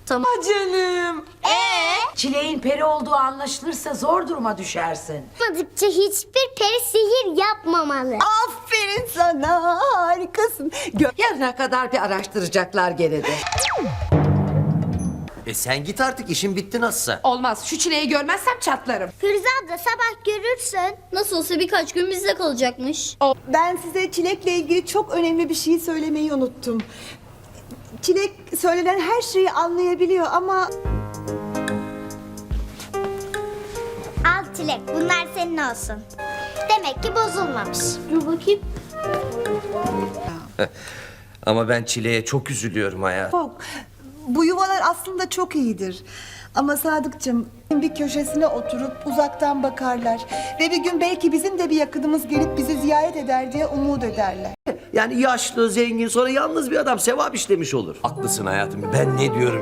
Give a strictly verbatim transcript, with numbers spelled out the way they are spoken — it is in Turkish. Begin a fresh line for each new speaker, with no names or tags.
Tamam.
Canım.
Ee? Çileğin peri olduğu anlaşılırsa zor duruma düşersin.
Yapmadıkça hiçbir peri sihir yapmamalı.
Aferin sana, harikasın. Gö
Yarına kadar bir araştıracaklar gene de.
E sen git artık, işin bitti nasılsa.
Olmaz, şu çileği görmezsem çatlarım.
Firuze abla sabah görürsün.
Nasıl olsa birkaç gün bizde kalacakmış.
Ben size çilekle ilgili çok önemli bir şey söylemeyi unuttum. Çilek söylenen her şeyi anlayabiliyor ama
Al Çilek, bunlar senin olsun. Demek ki bozulmamış.
Dur bakayım.
Ama ben Çile'ye çok üzülüyorum hayatım.
çok. Bu yuvalar aslında çok iyidir. Ama Sadıkçım bir köşesine oturup uzaktan bakarlar. Ve bir gün belki bizim de bir yakınımız gelip bizi ziyaret eder diye umut ederler.
Yani yaşlı, zengin, sonra yalnız bir adam sevap işlemiş olur. Haklısın hayatım, ben ne diyorum